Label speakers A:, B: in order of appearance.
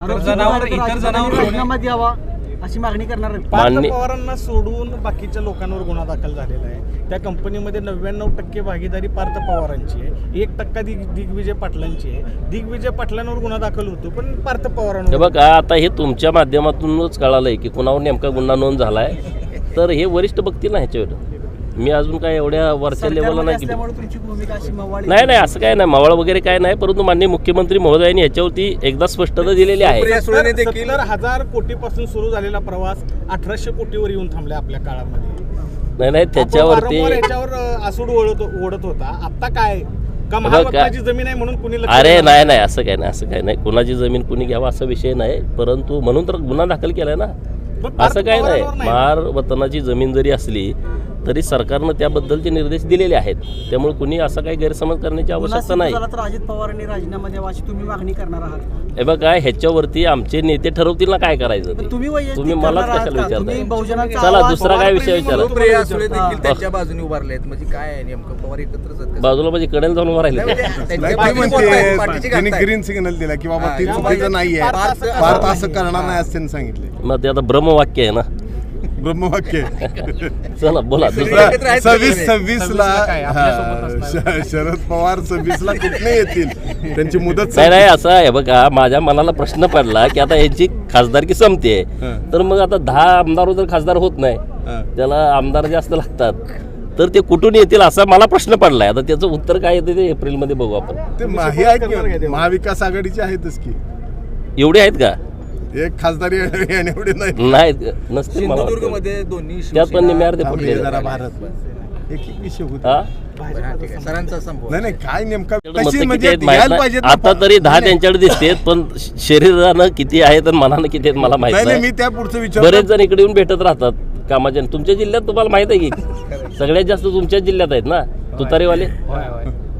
A: इतर जनावर राजीनामा द्यावा अशी मागणी करणार आहे।
B: पार्थ पवारांना सोडून बाकीच्या लोकांवर गुन्हा दाखल झालेला आहे। त्या कंपनीमध्ये 99% भागीदारी पार्थ पवारांची आहे, 1% दिग्विजय पाटलांची आहे। दिग्विजय पाटलांवर गुन्हा दाखल होतो पण पार्थ पवारांवर
C: बघा आता हे तुमच्या माध्यमातूनच कळालंय की कुणावर नेमका गुन्हा नोंद झालाय, तर हे वरिष्ठ बघतील ना ह्याच्यावर। मी अजून काय एवढ्या वरच्या लेवलला नाही नाही असं काय नाही, मावळ वगैरे काय नाही, परंतु माननीय मुख्यमंत्री महोदयांनी याच्यावरती एकदा स्पष्टता दिलेली आहे।
B: 70,000 कोटीपासून सुरू झालेला प्रवास 1800 कोटीवर येऊन थांबला आपल्या काळामध्ये।
C: नाही त्याच्यावरती
B: आसूड ओढत होता, आता काय का महाराष्ट्राची जमीन आहे म्हणून कुणी
C: अरे नाही असं काय नाही कुणाची जमीन कुणी घ्यावा असा विषय नाही, परंतु म्हणून तर गुन्हा दाखल केलाय ना, असं काय नाही। महार वतनाची जमीन जरी असली तरी सरकारनं त्याबद्दलचे निर्देश दिलेले आहेत, त्यामुळे कुणी असा काही गैरसमज करण्याची आवश्यकता नाही।
A: अजित पवारांनी राजीनामा द्यावा अशी तुम्ही मागणी करणार आहात?
C: हे बघा ह्याच्यावरती आमचे नेते ठरवतील ना काय करायचं ते, तुम्ही मलाच कशाला विचारताय? चला दुसरा काय विषय विचारा।
D: त्यांच्या बाजूने उभारले आहेत म्हणजे काय नेमकं पवार एकत्रच
C: बाजूला म्हणजे कडेला जाऊन उभं राहिले
E: ग्रीन सिग्नल दिला की बाबा ती चुकीचं नाहीये, भारत असं करणार नाही असं त्यांनी सांगितले।
C: मग ते आता ब्रह्मवाक्य आहे ना,
E: ब्रह्मवाक्य।
C: चला बोला।
E: 26 ला शरद पवार 26 ला कुठे येतील, त्यांची मुदत
C: नाही असं आहे बघा। माझ्या मनाला प्रश्न पडला की आता यांची खासदारकी संपते, तर मग आता 10 आमदार जर खासदार होत नाही, त्याला आमदार जास्त लागतात, तर ते कुठून येतील असा मला प्रश्न पडलाय। आता त्याचं उत्तर काय येते ते एप्रिलमध्ये बघू आपण।
E: ते महाविकास आघाडीचे आहेतच की,
C: एवढे आहेत का?
E: एक खासदारी एवढे
C: नाही नसते,
D: सिंधुदुर्गमध्ये दोन्ही
C: त्यात पण निम्यार्धे फुटले।
E: नाही काय नेमका
C: आता तरी 10 त्यांच्याकडे दिसते, पण शरीरानं किती आहेत आणि मनानं किती आहेत मला माहिती नाही।
E: मी त्या पुढचं विचार
C: बरेच जण इकडे येऊन भेटत राहतात कामाच्या। तुमच्या जिल्ह्यात तुम्हाला माहित आहे की सगळ्यात जास्त तुमच्याच जिल्ह्यात आहेत ना तुतारीवाले।